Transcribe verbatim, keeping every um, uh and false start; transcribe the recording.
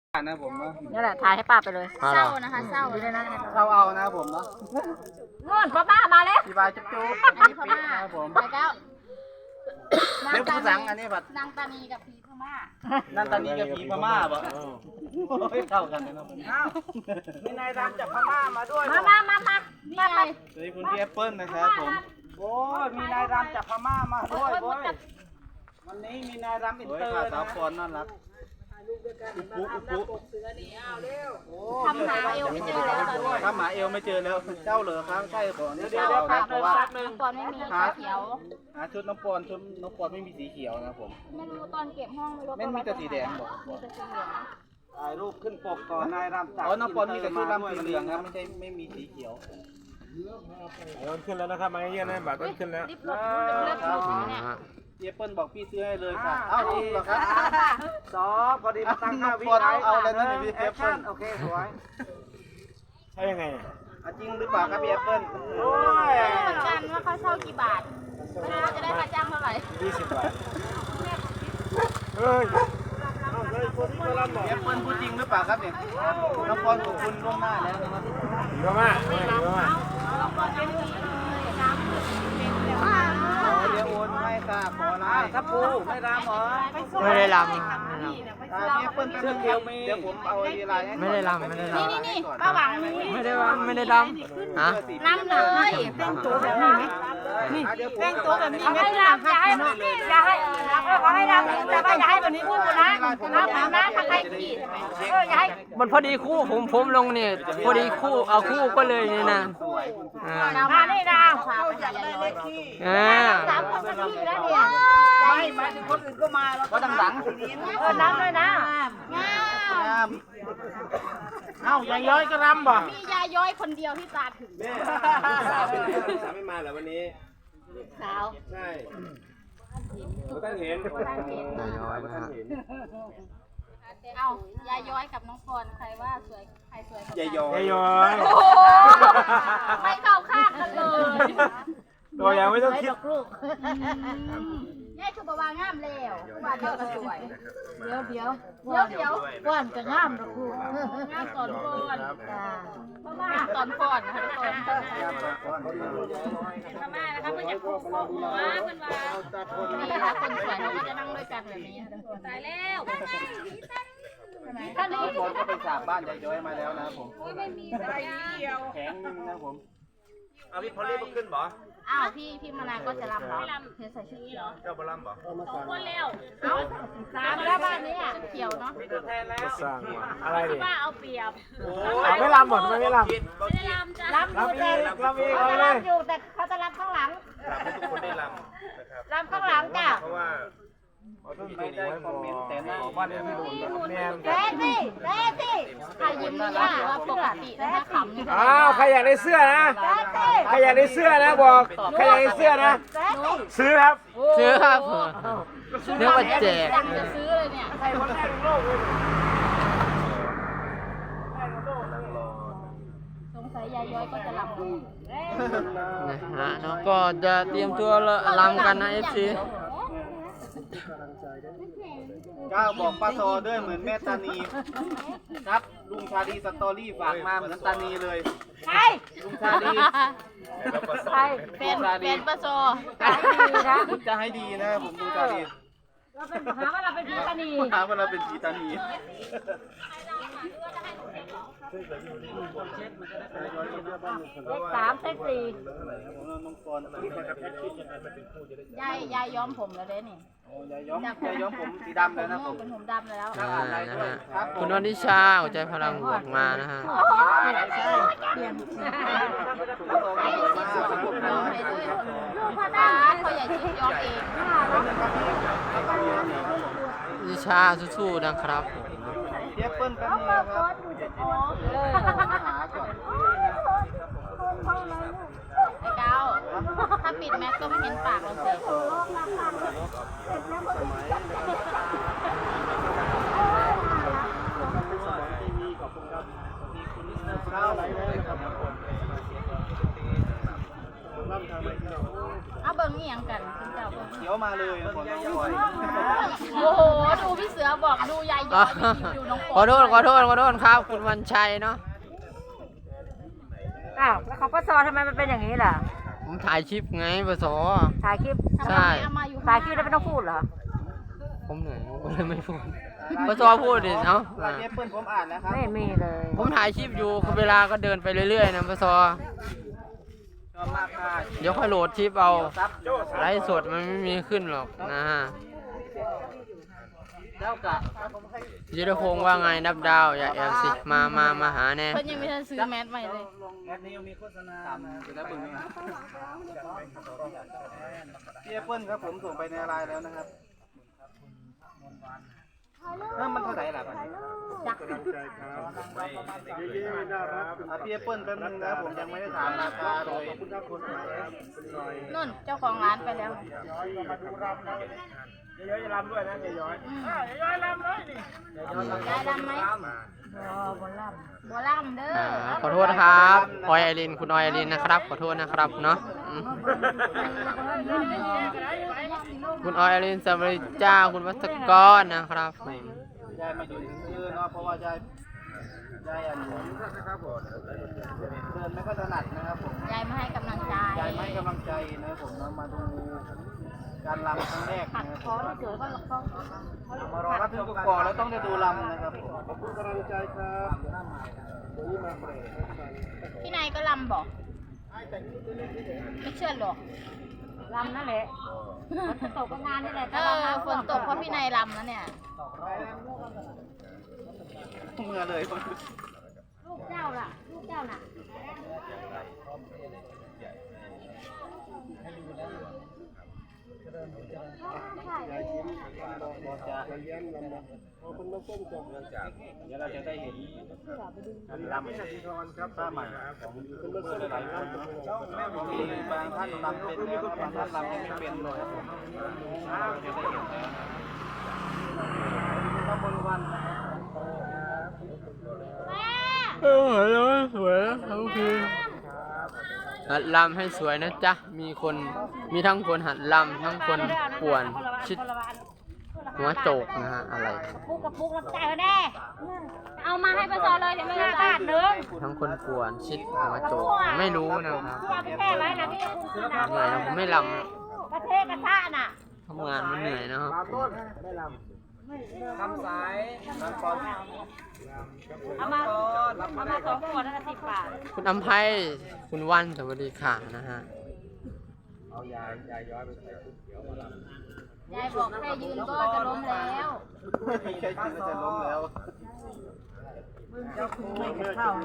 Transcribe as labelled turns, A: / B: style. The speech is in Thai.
A: นะผมเนาะ
B: นี่แหละถ่ายให้ป้าไปเลย
C: เศร้านะคะเศร้า
B: ดูด้วยนะ
A: เราเอานะผมเนาะ
B: นู่นพ่อป้ามาแล้ว
A: พี่บายจุ๊บจุ๊บ
C: อันนี้พม่า
A: ครับผม
C: ไปแล้ว
A: เดี๋ยวผู้สังอันนี้บัด
C: นางตานีกับผีพม่า
A: นั่นตอนนี้กับผีพม่าบ่โอ้ยเข้ากันเลยนะ
D: อ้าวมีนายรำจากพม่ามาด้วย
B: มามามามา
C: นี่ไง
A: สวัสดีคุณพี่แอปเปิ้ลนะครับผม
D: โอ้ยมีนายรำจากพม่ามาด้วยเว้ยวันนี้มีนายรำอิน
A: โอ้ย
D: เตอร์
A: ขาสาว
D: นะ
A: ปอนน่ารักอุปุอุปุ
C: ทำหาเอวไม่เจอแล้วตอนนี้
A: ถ้าหมาเอวไม่เจอแล้วเจ้าเหรอครับใช่ก่อน
D: เดี๋ยว
A: เจ้า
D: เดี๋ยว
A: ค
D: แป๊
A: รั
D: บบ
A: เพ
D: นึง
A: ราะว่า
D: แป๊บนึง
C: ก่อนไม่มีสีเขียว
A: หาชุดน้องปอนชุดน้องปอนไม่มีสีเขียวนะผม
C: ไม่รู้ตอนเก็บห้องไม่รู้
A: ไม่มีแต่สีแดงบอก
C: มีแต่สีเหลือง
D: ถ่ายรูปขึ้นปกก่อนนายรำจาก
A: อ๋อน้องปอนมีแต่ชุดดำสีเหลืองครับไม่ใช่ไม่มีสีเขียว
E: มันขึ้นแล้วนะครับมาเยี่ยมนะบัตรมันขึ้นแล้ว
C: รีบลดเลือดสูงเนี่ย
A: พี่แอปเปิ้ลบอกพี่ซื้อให้เลยค่ะเอ้าจริงเหรอครับ
D: สองพอดีมาตั้งห้าวิ
A: น้องปอนเอาแล้วนะพี่
D: แอ
A: แอ
D: ค
A: ปเปิ้
D: ชั่
A: ล
D: นโอเคสวย
E: ใช่ยังไง
A: อ่ะจริงหรือเปล่าครับพี่แอปเปิ้ล
D: โอ้ย
C: เหมือนกันว่าเขาเช่ากี่บาทไม่รู้ว่าจะได้ค่าจ้างเท่าไหร่
E: ยี่สิบบาทเฮ้ย
A: พี่แอปเปิ้ลพูดจริงหรือเปล่าครับเนี่ยน้องปอนขอบคุณล่วงหน้าแล้วนะครับ
E: ดีมากดีมาก
A: ขอเดี๋ยวโอนให้ค่ะขออะไร
D: ทับปูไม่รำเหรอ
F: ไม่ได้ล
A: อ่าพี่แอปเปิ้ลแป๊บนึงครับเดี๋ยวผมเอาดีไลน์ให้
F: ำไม่ได้ลำไม่ได้ล
C: นี่นี่นี่ป้าหวังนี่
F: ำไม่ได้ว่าไม่ได้ลำฮะ
C: น้ำเลยเป็นตัวแบบนี้ไหม
A: นี่แต่งตัวแบบนี้
B: เขาให้รำอย่าให้อย่าให้เขาให้รำแต่ว่าอย่าให้แบบนี้พูดนะน้ำน้ำนะถ้าใครขีดเอออย่าให้
F: มันพอดีคู่ผมผมลงเนี่ยพอดีคู่เอาคู่ก็เลยนี่นะอ่า
B: มานี่นะ
C: พาไปหายายย้อย
F: อ่า
B: สามคนก็ขี้แล้วเนี่ย
D: ไม่หมายถึงคนอื่นก็มาแล้ว
A: ก็ดังดัง
B: เออน้ำเลยนะ
C: งาม
A: งาม
D: เอ้ายายย้อยก็รำบ่
C: มียายย้อยคนเดียวที่ตาถึง
E: สาวสาวไม่มาเหรอวันนี้
C: สาว
E: ใช่ท่านเห็น
F: นายย้อยนะฮะ
C: เอ้ายายย้อยกับน้องพรใครว่าสวยใครสวยกว่ากัน
A: ยายยอย
E: ยายย้อย
C: โอ้โหไม่เข้าข้างกันเลย
E: ตัวยังไม่ต้องคิด
C: ยายคือบาวางามแล้วบาวเดียวก็สวย
B: เดี๋ยวเดี๋ยว
C: เดี๋ยวเดี๋ยว
B: ว่านจะง่ามนะครู
C: งามตอนพร
B: จ้า
C: งามตอนพรนะคะทุกคนพม่านะคะเพื่อนอยากโค้งหัวเพื่อนว่านี่นะคะคนสวยเขาก็จะนั่งด้วยกันแบบนี้ทุกคนตายแล้วท่านนี้
A: น้องปอนก็ไปสาบบ้านยายย้อยมาแล้วนะครับผม
C: ไม่มีสัญญาณ
A: แข็งนึงนะครับผม
E: เอาพี่พอลลี่มาขึ้นบ่
C: อ้าวพี่พี่มานาก็จะรำเหรอเธอใส่ชุดนี้เหรอ
E: เจ้าบอลลัมบ่
C: สองคนแล้วเอ้าสามแล้วบ้านนี้อ่ะเขียวเนาะ
D: มีตัวแทนแล้ว
E: สร้างมาอะไรดิ
C: ว่าเอาเปรียบ
E: เอาไม่ลำหมดไม่ลำ
C: ไม่ได้รำจ้ะ
B: รับอยู่แต่
E: ลำอีก
B: เขา
E: เอา
B: จะ
E: เล
B: รับ
E: ย
B: อยู่แต่เขาจะรับข้างหลัง
E: ให้ทุกคนได้ลำนะครับ
B: รับข้างหลังจ้ะ
E: เพราะว่า
A: ไม่ได้คอมเมนต์แต่หน้า
E: บ้านนี้พี่โดนแมน
B: เจ๊สิเจ๊สิ
C: ใครยิ้มนี่ย่าว่าปกตินะคะขำนี่
E: อ้าวใครอยากได้เสื้อนะ
B: เจ๊สิ
E: ใครอยากได้เสื้อนะบอกใครอยากได้เสื้อนะ
B: เจ๊สิ
E: ซื้อครับ
F: ซื้อครับเรียกว่าแจก
C: ดังจะซื้อเลยเนี่ย
D: ใครคนแรกในโลกเลย
C: สงสัยยายย้อยก็จะรำ
F: นะฮะเนาะก็จะเตรียมตัวลำกันนะเอฟซี
A: ก้าวบอกป้าซอด้วยเหมือนแม่ตานีครับลุงชาลีสตอรี่ฝากมาเหมือนตานีเลย
B: ใคร
A: ลุงชาลี
B: ใคร
C: เป็นเป็นปะโซ
B: ใครดีนะ
A: จะให้ดีนะผมลุงชาลี
B: เราเป็นหาว่าเราเป็นพีตานี
A: ถามว่าเราเป็นผีตานี
B: เลขสามเลขสี่
A: น้องปอน
C: ยายยายย้อมผมแล้วเด้นี่
A: ยายย้อมยายย้อมผมสีดำเลยนะผม
C: เป็นผมดำแล้ว
F: อ่านะฮะคุณวันทิชาหัวใจพลังบวกมานะฮะ
B: เปลี่ยน
C: ย้อมให้ด้วยลูกพ่อตาเขาใหญ่ชิดย้อมเอง
F: ทิชาสู้ๆนะครับผม
A: เทียบเปิ้ลแป๊บนึงนะครับ
C: ไอ้เก้าถ้าปิดแมสก็ไม่เห็นปากเราสิ
A: ข้าวอะไรเลยครับ
C: เอาเบิ้งนี่ยังกันคุณเจ้าเบิ้ง
A: เดี๋ยวมาเลยนะผม
C: โอ้โหดูพี่เสือบอกดูยาย
F: อ๋อขอโทษขอโทษขอโทษครับ คุณวันชัยเนาะ
B: อ้าวแล้วของป้าซอทำไมมันเป็นอย่างนี้ล่ะ
F: ผมถ่ายคลิปไงปส
B: ถ่ายคลิป
F: ใช่
C: เอามาอยู่
B: ถ่ายคลิปแล้วไม่ต้องพูดเหรอ
F: ผมเหนื่อยผมก็เลยไม่พูดปสพูดดิเนาะ
A: ลายเอเปิ้ลผมอ่านแล้วครับ
B: ไม่มีเลย
F: ผมถ่ายคลิปอยู่เวลาก็เดินไปเรื่อยๆนะปส
A: ชอบมากค่ะ
F: เดี๋ยวค่อยโหลดคลิปเอา
A: ซับ
F: ไลฟ์สดมันไม่มีขึ้นหรอกนะฮะ
A: เจ้ากะ
F: ยุทธพงศ์ว่าไงนับดาวอย่าแอบสิมามามาหาแน่
C: เพิ่นยังไม่ทันซื้อแมสใหม่เลย
A: แอปนี้ยังมีโฆษณาจะได้เบิ่งนะพี่แอปเปิ้ลครับผมส่งไปในไลน์แล้วนะครับนั่นมันเท่าไหร่ล่ะบัดนี้อ่ะพี่แอปเปิ้ลแป๊บนึงนะผมยังไม่ได้ถามราคาเลย
C: นุ่นเจ้าของร้านไปแล้ว
E: ย้อยจะรำด้วยนะย้อย
C: ยายรำไหมบัวล่ำเด้
F: อ่า
C: อ
F: ขอโทษนะครับออยไอรินคุณออยไอรินนะครับขอโทษนะครับเนาะอืมคุณออยไอรินสวัสดีจ้าคุณวัศกรนะครับผม
A: ยายไม่อยู่ถึงมือเนาะเพราะว่ายายยายอันเดินไม่ค่อยถนัดนะครับผม
C: ยายมาให้กำลังใจ
A: ยายไม่ให้กำลังใจนะผมนะมาดูการรำครั้งแรก
C: หั
A: นะ
C: ด
A: ค
C: คอ
A: รับ
C: ที่เกิดก็ก็
A: มารอรับทุกก่อนแล้วต้องได้ดูรำนะครับผมขอบคุณกำลังใจครับ
C: พี่นายก็ลำบอกไม่เชื่อหรอก
B: ลำนั่นแหละฝนตกก็งานนี่แหละ
C: เออฝนตกเพราะพี่นายลำแล้วเนี่ย
A: เมื่อเลย
B: ลูกเจ้าล่ะ ลูกเจ้าน่ะ
A: เดี๋ยวเราจะได้เห็นการรำครับผ้าใหม่ของยูทูบเบอร์หลายๆท่านมีบางท่านรำเป็นแล้วบางท่านรำยังไม่เป็นเลยครับผมเราจะได้เห็นแล้วขบวนวันนะครับ
F: เออสวยทั้งคืนหัดลำให้สวยนะจ๊ะมีคนมีทั้งคนหัดลำทั้งคนป่วนชิดหัวโจกนะฮะอะไร
B: ปุ๊กกับปุ๊กรับใจายมาแน่เอามาให้ป้าซอเลยเดี๋ยวไม่ได้บาทหนึ่ง
F: ทั้งคนป่วนชิดหัวโจกไม่รู้นะครับ
B: ที่เอาไปแช่ไว้นะพี่คุณซื้อนะ
F: เหนื่อยนะผมไม่ลำนะ
B: ประเทศกระทะน่ะ
F: ทำงานมันเหนื่อยนะครับ
A: ทำสายน้ำฟอน
B: เอามาเอามาสองขวดนั่นละสิบบาท
F: คุณอำไพคุณวันสวัสดีค่ะนะฮะ
C: ยายบอกแค่ยืนก็จะล้มแล้ว
A: แค่กินก็จะล้มแล้ว